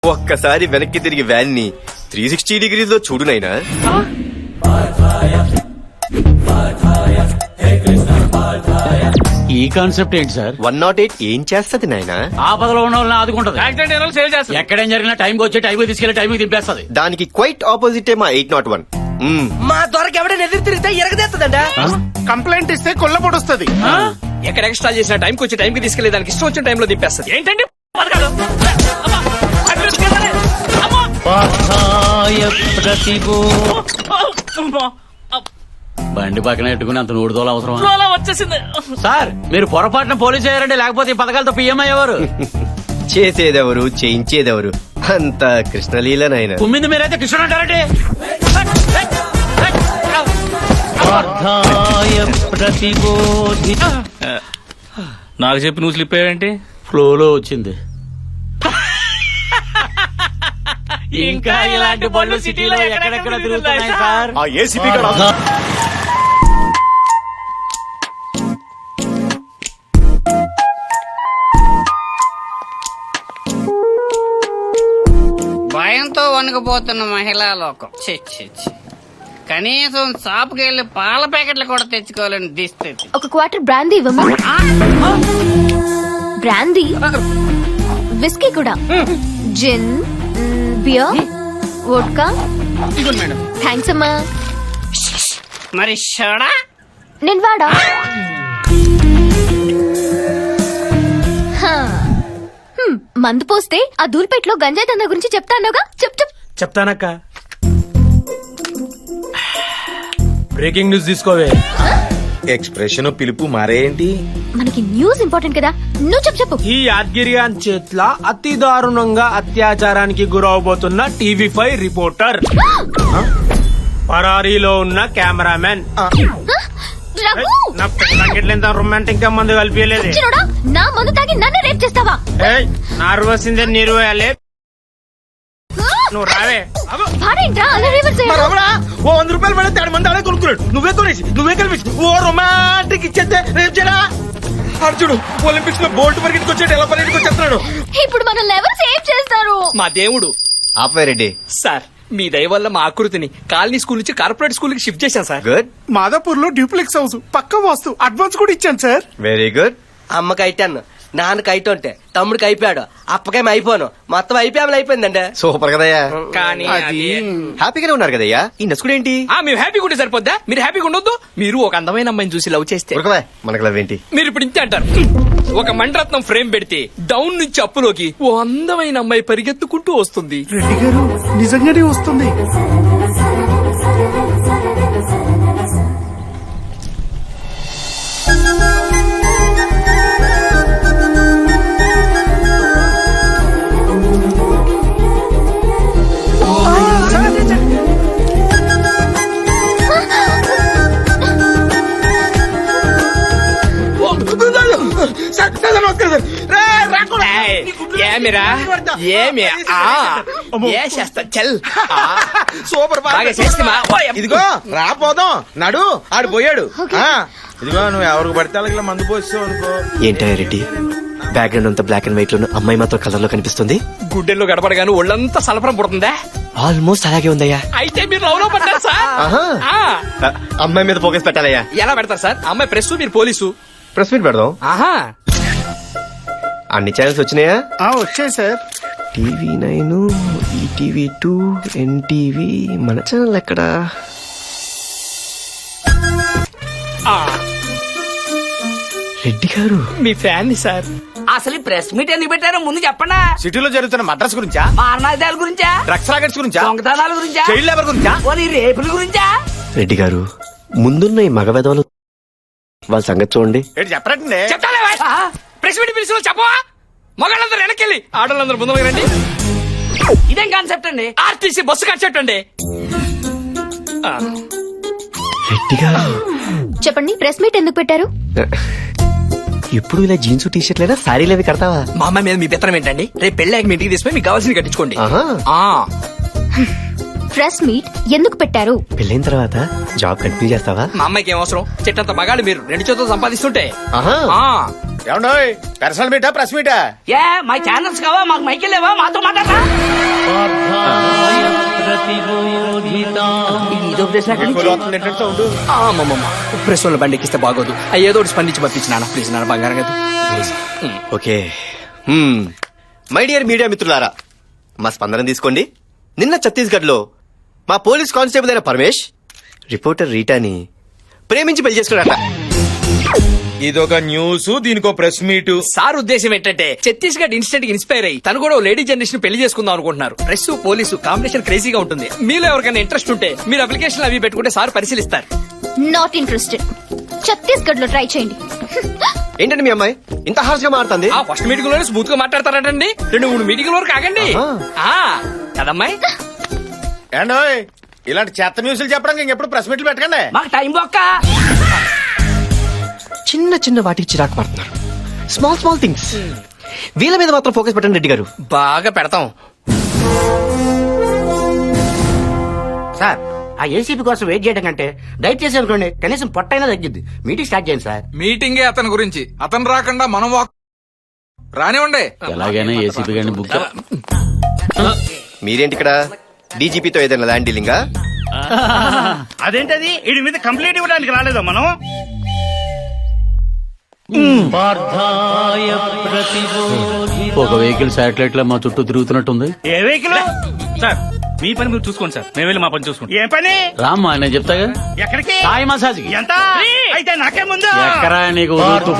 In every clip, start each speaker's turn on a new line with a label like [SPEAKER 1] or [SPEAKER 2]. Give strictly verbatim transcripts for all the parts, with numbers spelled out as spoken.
[SPEAKER 1] ఒక్కసారి వెనక్కి తిరిగి వ్యాన్ ని త్రీ సిక్స్టీ డిగ్రీస్ లో చూడు నైనా.
[SPEAKER 2] ఈ కాన్సెప్ట్ ఏంటి సార్?
[SPEAKER 1] వన్ నాట్ ఎయిట్ ఏం చేస్తది నాయనా?
[SPEAKER 2] ఆపదలో ఉన్న వాళ్ళని ఆదుకుంటది.
[SPEAKER 3] యాక్సిడెంట్ అయిన వాళ్ళు సేవ్ చేస్తారు.
[SPEAKER 2] ఎక్కడేం జరిగినా టైంకి వచ్చి టైంకి తీసుకెళ్లి టైంకి దింపేస్తుంది.
[SPEAKER 1] దానికి క్వైట్ ఆపోజిటే మా ఎయిట్ నాట్ వన్.
[SPEAKER 4] మా దొరకి ఎవడైనా ఎదురు తిరిగితే ఎరగదేస్తుందంట.
[SPEAKER 3] కంప్లైంట్ ఇస్తే కొల్ల పొడుస్తుంది. ఎక్కడ ఎక్స్ట్రా చేసిన టైంకి వచ్చి టైంకి తీసుకెళ్లి దానికి ఇష్టం వచ్చిన టైంలో దింపేస్తుంది. ఏంటండి పథకాలు? అమ్మా! అడ్డు తీసుకెళ్ళాలి. అమ్మా! అమ్మా!
[SPEAKER 2] బండి పక్కన పెట్టుకుని అంత నూడుదోలు అవసరం
[SPEAKER 3] రోలా వచ్చేసింది.
[SPEAKER 2] సార్? మీరు పొరపాటున పోలీసు అయ్యారండి, లేకపోతే ఈ పథకాలతో పిఎం అయ్యేవారు.
[SPEAKER 1] చేసేదెవరు చేయించేదెవరు అంత కృష్ణలీల నాయన.
[SPEAKER 2] కుమ్మింది మీరైతే కృష్ణుడు అంటారండి.
[SPEAKER 3] నాకు చెప్పి నువ్వు స్లిప్ అయ్యావేంటి?
[SPEAKER 2] ఫ్లోలో వచ్చింది. ఇంకా ఇలాంటి బళ్ళు సిటీలో ఎక్కడెక్కడ తిరుగుతున్నాయి సార్.
[SPEAKER 1] ఆ ఏసీపీ
[SPEAKER 5] భయంతో వణుకుపోతున్న మహిళా లోకం. ఛీ, ఛీ, ఛీ. కనీసం షాప్కి వెళ్లి పాల ప్యాకెట్లు కూడా తెచ్చుకోవాలని దిస్థితి.
[SPEAKER 6] ఒక క్వార్టర్ బ్రాందీ ఇవ్వమ్మా. బ్రాందీ, విస్కీ కూడా, జిన్, బియర్, వోడ్కా. థ్యాంక్స్ అమ్మా.
[SPEAKER 5] మరి షోడా?
[SPEAKER 6] నేను వాడా. హా. హ్మ్, మందు పోస్తే ఆ దూల్పేటలో గంజాయి దందా గురించి చెప్తా అన్నావుగా, చెప్ చెప్.
[SPEAKER 7] చెప్తానక్క. బ్రేకింగ్ న్యూస్ తీసుకోవే.
[SPEAKER 8] ఎక్స్ప్రెషన్ పిలుపు మారేంటి?
[SPEAKER 6] మనకి న్యూస్ ఇంపార్టెంట్ కదా, నువ్వు చెప్పు చెప్పు.
[SPEAKER 7] ఈ యాద్గిరియాన్ చేట్ల అతి దారుణంగా అత్యాచారానికి గురవబోతున్న టీవీ ఫైవ్ రిపోర్టర్, పరారీలో ఉన్న కెమెరామెన్.
[SPEAKER 6] రఘు!
[SPEAKER 7] నా పెళ్ళంగిట్లేంత రొమాంటిక్ గా మందు కలిపియలేదు.
[SPEAKER 6] చిన్నోడా, నా మందు తాగి నన్ను రేప్ చేస్తావా?
[SPEAKER 7] నార్వసిందే నీరు వేయాలి. నువ్వు రావే.
[SPEAKER 6] వాడేంట్రా అలా రివర్స్ చేయడం?
[SPEAKER 8] ఓ వంద రూపాయలు పడితే ఆడు మంది అడే కొనుక్కున్నాడు. నువ్వే కొనేసి నువ్వే కల్పించి ఓ రొమాంటిక్ ఇచ్చేస్తే రేపు చేయడా. అర్జుడు ఒలింపిక్స్ లో బోల్ట్ పరిగెత్తుకు వచ్చేట ఎలా పరిగెత్తుకు వచ్చేస్తున్నాడు.
[SPEAKER 6] ఇప్పుడు మనల్ని ఎవరు సేవ్ చేస్తారు?
[SPEAKER 3] మా దేవుడు.
[SPEAKER 1] ఆపరెడ్డి
[SPEAKER 3] సార్, మీ దయ వల్ల మా ఆకృతిని కాలనీ స్కూల్ నుంచి కార్పొరేట్ స్కూల్ కి షిఫ్ట్ చేశాను సార్.
[SPEAKER 1] గుడ్,
[SPEAKER 7] మాదాపూర్ లో డ్యూప్లెక్స్ హౌస్ పక్క వాస్తు అడ్వాన్స్ కూడా ఇచ్చాను సార్.
[SPEAKER 1] Very good.
[SPEAKER 4] అమ్మకి అయిటాను, నాన్నకి అయితుంటే తమ్ముడికి అయిపోయాడు, అప్పకేం అయిపోను, మొత్తం అయిపోయామని అయిపోయిందండి.
[SPEAKER 1] సూపర్ కదయ్యా.
[SPEAKER 3] కానీ అది
[SPEAKER 1] హ్యాపీగానే ఉన్నారు కదయ్యా. ఈ నసుకుడు ఏంటి?
[SPEAKER 3] ఆ, మేము హ్యాపీగా ఉంటే సరిపోద్దా? మీరు హ్యాపీగా ఉండొద్దు? మీరు ఒక అందమైన అమ్మాయిని చూసి లవ్ చేస్తే
[SPEAKER 1] ఉరకవే, మనకు లవ్ ఏంటి?
[SPEAKER 3] మీరు ఇప్పుడు ఇంతే అంటారు. ఒక మణిరత్నం ఫ్రేమ్ పెడితే డౌన్ నుంచి అప్పులోకి ఓ అందమైన అమ్మాయి పరిగెత్తుకుంటూ వస్తుంది.
[SPEAKER 7] రెడ్డి గారు నిజంగానే వస్తుంది.
[SPEAKER 3] ఏమిరా ఏమి ఏ చేస్తా చల్.
[SPEAKER 8] సూపర్
[SPEAKER 3] బాగా చేస్తిమా?
[SPEAKER 8] ఇదిగో రాపోదాం నడు. ఆడు పోయాడు. ఆ, ఇదిగో నువ్వు ఎవరికి పడితే అలాగే మందు పోస్తావు అనుకో.
[SPEAKER 1] ఏంటా రెడ్డి, బ్యాక్గ్రౌండ్ అంతా బ్లాక్ అండ్ వైట్ లో అమ్మాయి మాత్రం కలర్ లో కనిపిస్తుంది.
[SPEAKER 3] గుడ్డెల్లో గడపడగాను ఒళ్ళంతా సలపరం పుడుతుందా?
[SPEAKER 1] ఆల్మోస్ట్ అలాగే ఉందయ్యా.
[SPEAKER 3] అయితే మీరు లవ్ లో పడ్డారు సార్.
[SPEAKER 1] ఆహా.
[SPEAKER 3] ఆ.
[SPEAKER 1] ఆ, అమ్మాయి మీద ఫోకస్ పెట్టాలయ్యా.
[SPEAKER 3] ఎలా పెడతారు సార్? అమ్మాయి ప్రెస్, మీరు పోలీసు.
[SPEAKER 1] ప్రెస్ మీట్ పెడదాం.
[SPEAKER 3] ఆహా,
[SPEAKER 1] అన్ని ఛానల్స్ వచ్చినాయా?
[SPEAKER 7] వచ్చాయి sir.
[SPEAKER 1] TV nine, ETV two, NTV. మన ఛానల్ ఎక్కడా?
[SPEAKER 3] ఆ,
[SPEAKER 1] రెడ్డి గారు
[SPEAKER 3] మీ ఫ్యాన్ సార్.
[SPEAKER 5] అసలు ఈ ప్రెస్ మీట్ ఎందుకు పెట్టారో ముందు చెప్పండా.
[SPEAKER 8] సిటీలో జరుగుతున్న మద్రాస్ గురించా,
[SPEAKER 5] మారణాదాల గురించా,
[SPEAKER 8] డ్రగ్స్ రాకెట్స్ గురించా,
[SPEAKER 5] దొంగతనాల గురించా,
[SPEAKER 8] చైల్డ్ లేబర్ గురించా,
[SPEAKER 5] పోనీ రేపుల గురించా?
[SPEAKER 1] రెడ్డి గారు, ముందున్న ఈ మగ వెధవలు వాళ్ళ సంగతి చూడండి.
[SPEAKER 8] ఏంటి చెప్పరండి.
[SPEAKER 3] చెప్తాలే ప్రెస్ మీట్ పిలిచి చెప్పవా? మగాళ్ళందరూ వెనకెళ్ళి ఆడవాళ్ళందరూ ముందు రండి.
[SPEAKER 5] ఇదేం కాన్సెప్ట్ అండి?
[SPEAKER 3] ఆర్టీసీ బస్సు కాన్సెప్ట్ అండి. ఆ,
[SPEAKER 1] రెడ్డి గారు
[SPEAKER 6] చెప్పండి, ప్రెస్ మీట్ ఎందుకు పెట్టారు?
[SPEAKER 1] ఎప్పుడు ఇలా జీన్స్ టీ షర్ట్లైనా సారీలు అవి కడతావా?
[SPEAKER 3] మా అమ్మాయి మీద మీ పెత్తనం ఏంటండి? రేపు పెళ్ళాక మీ ఇంటికి తీసుకుని మీకు కావాల్సింది కట్టించుకోండి.
[SPEAKER 1] ఆహా.
[SPEAKER 3] ఆ,
[SPEAKER 6] ప్రెస్ మీట్ ఎందుకు పెట్టారు?
[SPEAKER 1] పెళ్ళైన తర్వాత జాబ్ కంటిన్యూ చేస్తావా?
[SPEAKER 3] మా అమ్మాయికి ఏం అవసరం? చెట్టంత మగాళ్ళు మీరు రెండు చేతులు సంపాదిస్తుంటే.
[SPEAKER 1] ఆహా.
[SPEAKER 3] ఆ,
[SPEAKER 8] ఏమండోయ్ పర్సనల్ మీటా ప్రెస్ మీటా
[SPEAKER 5] ఏ మా ఛానల్స్ కావా మాకు మైకిల్ లేవా మాతో మాట్లాడరా
[SPEAKER 3] ప్రెస్ వాళ్ళ బండి ఎక్కిస్తే బాగోదు ఆ ఏదో ఒకటి స్పందించి పంపించిన ప్లీజ్ నాన్న బంగారం కదా please
[SPEAKER 9] okay my dear media మిత్రులారా మా స్పందన తీసుకోండి. నిన్న ఛత్తీస్గఢ్ లో మా పోలీస్ కానిస్టేబుల్ అయిన పరమేష్ రిపోర్టర్ రీటాని ప్రేమించి పెళ్లి చేసుకున్నాడట.
[SPEAKER 8] ఇదొక న్యూస్ దీనికో ప్రెస్ మీట్.
[SPEAKER 3] సార్ ఉద్దేశం ఏంటంటే ఛత్తీస్గఢ్ ఇన్స్టెంట్ కి ఇన్స్పైర్ అయ్యి తను కూడా లేడీ జనరేషన్ పెళ్లి చేసుకుందాం అనుకుంటున్నారు. ప్రెస్ పోలీసు కాంబినేషన్ క్రేజీగా ఉంటుంది. మీలో ఎవరికైనా ఇంట్రెస్ట్ ఉంటే మీరు అప్లికేషన్ అవి పెట్టుకుంటే సార్ పరిశీలిస్తారు.
[SPEAKER 6] Not interested. ఛత్తీస్గఢ్ లో ట్రై చేయండి.
[SPEAKER 9] ఏంటండి మీ అమ్మాయి ఇంత హార్ష్ గా మారుతుంది?
[SPEAKER 3] ఆ ఫస్ట్ మీటింగ్ లోనే స్మూత్ గా మాట్లాడతారంటండి. రెండు మూడు మీటింగ్ వరకు ఆగండి. ఆ కదమ్మాయి
[SPEAKER 8] ఏండోయ్ ఇలాంటి చెత్త న్యూస్లు చెప్పడానికి ఇంకెప్పుడు ప్రెస్ మీట్లు పెట్టకండి.
[SPEAKER 5] మాకు టైం బొక్క
[SPEAKER 1] చిన్న చిన్న వాటికి చిరాకు పడుతున్నారు. స్మాల్ స్మాల్ థింగ్స్ వీళ్ళ మీద మాత్రం ఫోకస్ పెట్టండి రెడ్డి గారు.
[SPEAKER 3] బాగా పెడతాం.
[SPEAKER 10] సార్ ఆ ఏసీపీ కోసం వెయిట్ చేయడం కంటే డైట్ చేసి అనుకోండి కనీసం పొట్టైనా తగ్గిద్ది. మీటింగ్ స్టార్ట్ చేయండి సార్.
[SPEAKER 11] మీటింగే అతని గురించి. అతను రాకుండా మనం వాక్ రానివ్వండి.
[SPEAKER 2] ఎలాగైనా ఏసీపీ గారిని బుక్
[SPEAKER 9] మీరేంటి ఇక్కడ డీజీపీతో ఏదైనా ల్యాండ్ డీలింగా?
[SPEAKER 10] అదేంటది వీడి మీద కంప్లైంట్ ఇవ్వడానికి రాలేదా మనం?
[SPEAKER 2] ఒక వెహికల్ శాటిలైట్ లో మా చుట్టూ తిరుగుతున్నట్టుంది.
[SPEAKER 10] ఏ వెహికల్?
[SPEAKER 11] సార్ మీ పని మీరు చూసుకోండి సార్, మేము వెళ్ళి మా పని చూసుకుంటాం.
[SPEAKER 10] ఏ పని?
[SPEAKER 2] రామ్మా నేను చెప్తాగా.
[SPEAKER 10] ఎక్కడికి?
[SPEAKER 2] సాయి మసాజ్ కి.
[SPEAKER 10] ఎంత? అయితే నాకే ముందు
[SPEAKER 2] ఎక్కరా నీకు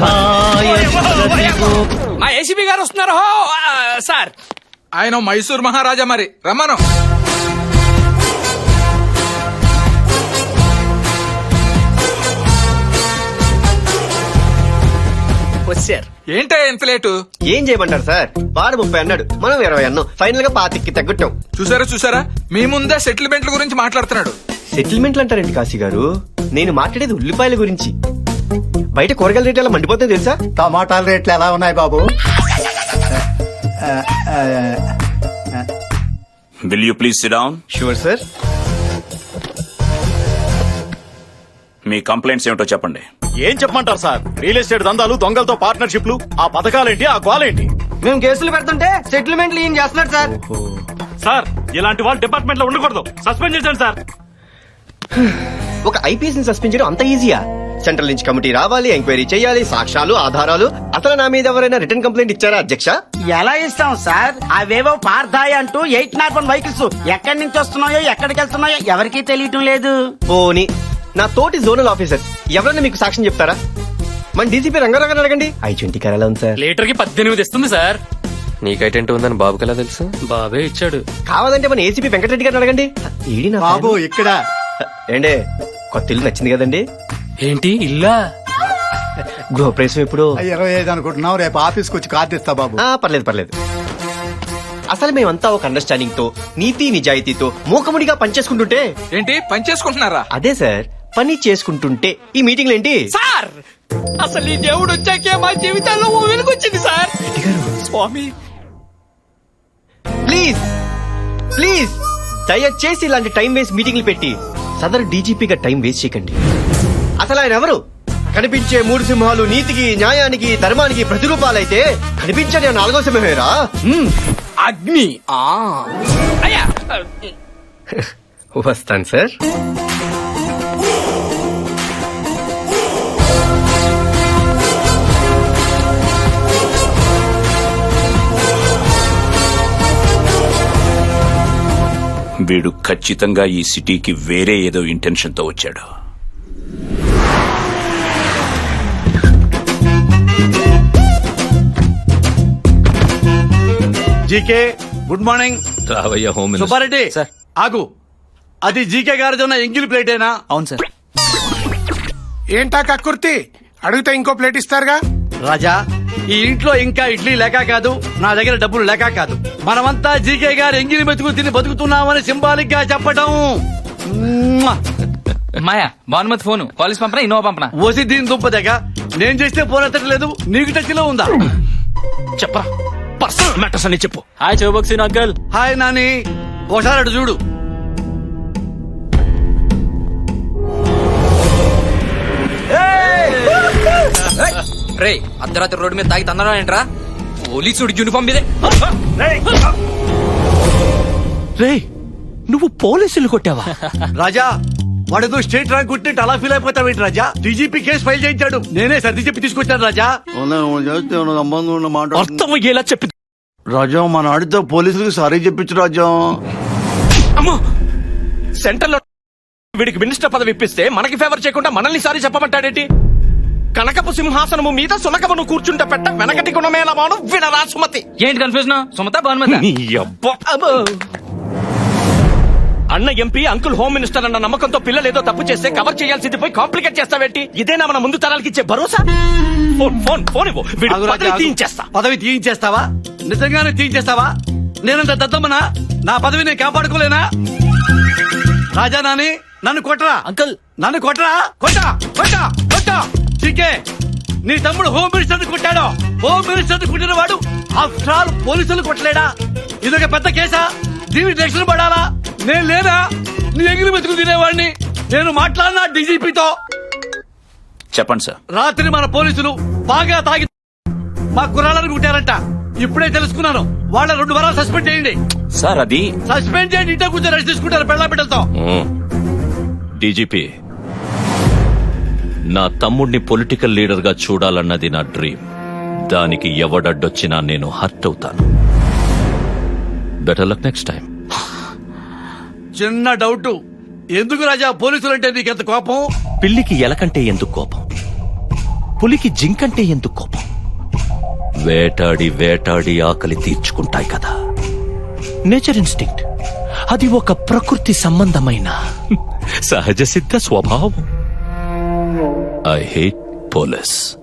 [SPEAKER 2] తుఫాన్.
[SPEAKER 3] మా ఏసీబీ గారు వస్తున్నారు. హో, ఆ, సార్
[SPEAKER 11] ఆయన మైసూర్ మహారాజా మరి రమ్మను.
[SPEAKER 3] వచ్చారు.
[SPEAKER 11] ఏంటే ఎంత లేటు?
[SPEAKER 9] ఏం చేయమంటారు సార్? వాడు ముప్పై అన్నాడు, మనం ఇరవై అన్నాం. ఫైనల్ గా పాతికి తగ్గట్టాం.
[SPEAKER 11] చూసారా చూసారా మీ ముందే సెటిల్మెంట్ల గురించి మాట్లాడుతున్నాడు.
[SPEAKER 9] సెటిల్మెంట్లు అంటారేంటి కాశీ గారు? నేను మాట్లాడేది ఉల్లిపాయల గురించి. బయట కూరగాయల రేట్లు ఎలా మండిపోతుంది తెలుసా?
[SPEAKER 10] టమాటాల రేట్లు ఎలా ఉన్నాయి బాబు?
[SPEAKER 12] Will you please sit down?
[SPEAKER 9] Sure sir.
[SPEAKER 12] మీ కంప్లైంట్స్ ఏమిటో చెప్పండి.
[SPEAKER 8] ఏం చెప్పమంటారు సార్? రియల్ ఎస్టేట్ దందాలు, దొంగలతో పార్ట్నర్షిప్లు, ఆ పథకాలేంటి, ఆ గోలేంటి?
[SPEAKER 4] మేము కేసులు పెడుతుంటే సెటిల్మెంట్లు ఏం చేస్తున్నాడు సార్?
[SPEAKER 11] సార్ ఇలాంటి వాళ్ళు డిపార్ట్మెంట్ లో ఉండకూడదు, సస్పెండ్ చేశాను సార్.
[SPEAKER 9] ఒక ఐపీఎస్ ని సస్పెండ్ చేయడం అంత ఈజీయా? సెంట్రల్ నుంచి కమిటీ రావాలి, ఎంక్వైరీ చేయాలి, సాక్ష్యాలు, ఆధారాలు. అసలు నా మీద ఎవరైనా రిటర్న్ కంప్లైంట్ ఇచ్చారా అధ్యక్ష?
[SPEAKER 10] ఎలా ఇస్తాం సార్? అవేవో పార్థాయి అంటూ ఎయిట్ నాట్ వన్ వెహికల్స్ ఎక్కడి నుంచి వస్తున్నాయో ఎక్కడికి వెళ్తున్నాయో ఎవరికీ తెలియటం లేదు.
[SPEAKER 9] పోనీ నా తోటి జోనల్ ఆఫీసర్ ఎవరైనా మీకు సాక్ష్యం చెప్తారా? మన డీసీపీ రంగారావు అడగండి. ఐ ట్వంటీ కరాలా ఉంది సార్.
[SPEAKER 3] లీటర్ కి పద్దెనిమిది ఇస్తుంది సార్.
[SPEAKER 1] నీకైటెంట్ ఉందని బాబుకి ఎలా తెలుసు?
[SPEAKER 3] బాబే ఇచ్చాడు.
[SPEAKER 9] కావాలంటే మన ఏసీపీ వెంకటరెడ్డి గారిని అడగండి. ఏడి నా
[SPEAKER 10] బాబు
[SPEAKER 9] ఫ్యాన్.
[SPEAKER 10] ఇక్కడ
[SPEAKER 9] ఏండే కొత్త ఇల్లు నచ్చింది కదండి?
[SPEAKER 3] ఏంటి ఇల్లా?
[SPEAKER 9] గృహప్రవేశం ఎప్పుడు?
[SPEAKER 10] ఇరవై ఐదు అనుకుంటున్నావు, రేపు ఆఫీస్కి వచ్చి కార్డు ఇస్తా బాబు.
[SPEAKER 9] ఆ, పర్లేదు పర్లేదు. అసలు మేమంతా ఒక అండర్స్టాండింగ్ తో, నీతి నిజాయితీతో మూకముడిగా పనిచేసుకుంటుంటే.
[SPEAKER 11] ఏంటి పని చేసుకుంటున్నారా?
[SPEAKER 9] అదే సార్, పని చేసుకుంటుంటే ఈ మీటింగ్లు ఏంటి
[SPEAKER 3] సార్ అసలు ఈ దేవుడు వచ్చాకే మా జీవితాల్లో ఓ వెలుగొచ్చింది సార్. స్వామి
[SPEAKER 9] ప్లీజ్ ప్లీజ్ దయచేసి ఇలాంటి టైం వేస్ట్ మీటింగ్లు పెట్టి సదరు డీజీపీగా టైం వేస్ట్ చేయకండి. అసలు ఆయన ఎవరు? కనిపించే మూడు సింహాలు నీతికి, న్యాయానికి, ధర్మానికి ప్రతిరూపాలైతే కనిపించని ఆ నాలుగో సింహమేరా
[SPEAKER 3] అగ్ని. ఆ అయ్యా
[SPEAKER 9] వస్తాను సార్.
[SPEAKER 12] వీడు ఖచ్చితంగా ఈ సిటీకి వేరే ఏదో ఇంటెన్షన్ తో వచ్చాడు.
[SPEAKER 10] GK good morning.
[SPEAKER 1] రావయ్య హోమ్
[SPEAKER 10] సుబ్బారెడ్డి ఆగు. అది జీకే గారిది ఉన్న ఎంగిల్ ప్లేటేనా?
[SPEAKER 3] అవును సార్.
[SPEAKER 8] ఏంటా కక్కుర్తి? అడిగితే ఇంకో ప్లేట్ ఇస్తారుగా.
[SPEAKER 10] రాజా, ఈ ఇంట్లో ఇంకా ఇడ్లీ లేక కాదు, నా దగ్గర డబ్బులు లేక కాదు, మనమంతా జీకే గారు ఎంగిలి మెతుకు తిని బతుకుతున్నామని సింబాలిక్ గా చెప్పడం.
[SPEAKER 3] మాయా భానుమతి ఫోన్ కాలేజ్ పంపనా ఇన్నోవా పంపనా?
[SPEAKER 10] ఓసి దీని దుంపదగ నేను చేస్తే ఫోన్ ఎత్తట్లేదు, నీకు టచ్ లో ఉందా?
[SPEAKER 3] చెప్పరా పర్సనల్ మ్యాటర్స్ అని చెప్పు. Hi Chaubaksi uncle.
[SPEAKER 10] Hi Nani, ఒకసారి అటు చూడు.
[SPEAKER 3] రే అర్ధరాత్రి రోడ్డు మీద తాగి తందడం ఏంట్రా పోలీసుడి యూనిఫామ్ మీదే
[SPEAKER 2] రే నువ్వు పోలీసులు కొట్టావా?
[SPEAKER 10] రాజా వాడేదో స్టేట్ ర్యాంక్ కొట్టినట్టు అలా ఫీల్ అయిపోతావేంటి రాజా? డీజీపీ కేసు ఫైల్ చేయించాడు, నేనే సర్ది చెప్పి తీసుకొచ్చాను రాజా.
[SPEAKER 2] అర్థం అయ్యేలా చెప్పి
[SPEAKER 10] రాజా మన ఆడితో పోలీసులకు సారీ చెప్పించు రాజా.
[SPEAKER 3] అమ్మో సెంటర్ లో వీడికి మినిస్టర్ పదవి ఇప్పిస్తే మనకి ఫేవర్ చేయకుండా మనల్ని సారి చెప్పమంటాడేంటి? కనకపు సింహాసనము మీద సునకమును కూర్చుంట పెట్ట వెనకటి గుణమేళమాను వినరా సుమతి.
[SPEAKER 2] ఏంటి కన్ఫ్యూజన్? సుమత భానుమతి?
[SPEAKER 3] నీ అబ్బా. అబ్బో. అన్న ఎంపీ అంకుల్ హోమ్ మినిస్టర్ అన్న నమ్మకంతో పిల్లలు ఏదో తప్పు చేస్తే కవర్ చేయాల్సింది పోయి కాంప్లికేట్ చేస్తావేంటి? ఇదేనా మన ముందు తరాలకి ఇచ్చే భరోసా? ఫోన్ ఫోన్ ఫోన్ ఇవ్వు. వీడి
[SPEAKER 10] ఆగు రాజా,
[SPEAKER 3] పదవి
[SPEAKER 10] ఆగు.
[SPEAKER 3] తీయించేస్తా.
[SPEAKER 10] పదవి తీయించేస్తావా? నిజంగానే తీయించేస్తావా? నేనంత దద్దమ్మనా? నా పదవి నేను కాపాడుకోలేనా? రాజా నాని నన్ను కొట్టరా
[SPEAKER 2] అంకుల్
[SPEAKER 10] నన్ను కొట్టరా కొట్టా కొట్టా కొట్టా చికే నీ తమ్ముడు హోమ్ మినిస్టర్ కొట్టాడు. హోమ్ మినిస్టర్ కొట్టిన వాడు ఆఫ్టర్ ఆల్ పోలీసులు కొట్టలేడా? ఇదొక పెద్ద కేసా? దీనికి రక్షణ పడాలా? నేను లేనా? నీ ఎగిరి మెతుకు తినేవాడిని. నేను మాట్లాడినా డీజీపీతో.
[SPEAKER 12] చెప్పండి సార్.
[SPEAKER 10] రాత్రి మన పోలీసులు బాగా తాగి మా కుర్రాళ్ళని కుట్టారంట. ఇప్పుడే తెలుసుకున్నాను. వాళ్ళ రెండు వారాలు సస్పెండ్ చేయండి.
[SPEAKER 12] సార్ అది
[SPEAKER 10] సస్పెండ్ చేయండి. ఇంట్లో కూర్చొని రెస్ట్ తీసుకుంటారు పెళ్ళ బిడ్డలతో.
[SPEAKER 2] డీజీపీ, నా తమ్ముడిని పొలిటికల్ లీడర్ గా చూడాలన్నది నా డ్రీమ్. దానికి ఎవడడ్డొచ్చినా నేను హర్ట్ అవుతాను. Better luck next time.
[SPEAKER 10] చిన్న డౌట్, ఎందుకు రాజా పోలీసులు అంటే నీకెంత కోపం?
[SPEAKER 2] పిల్లికి ఎలకంటే ఎందుకు కోపం? పులికి జింకంటే ఎందుకు కోపం? వేటాడి వేటాడి ఆకలి తీర్చుకుంటాయి కదా. Nature instinct. అది ఒక ప్రకృతి సంబంధమైన సహజ సిద్ధ స్వభావం. I hate police.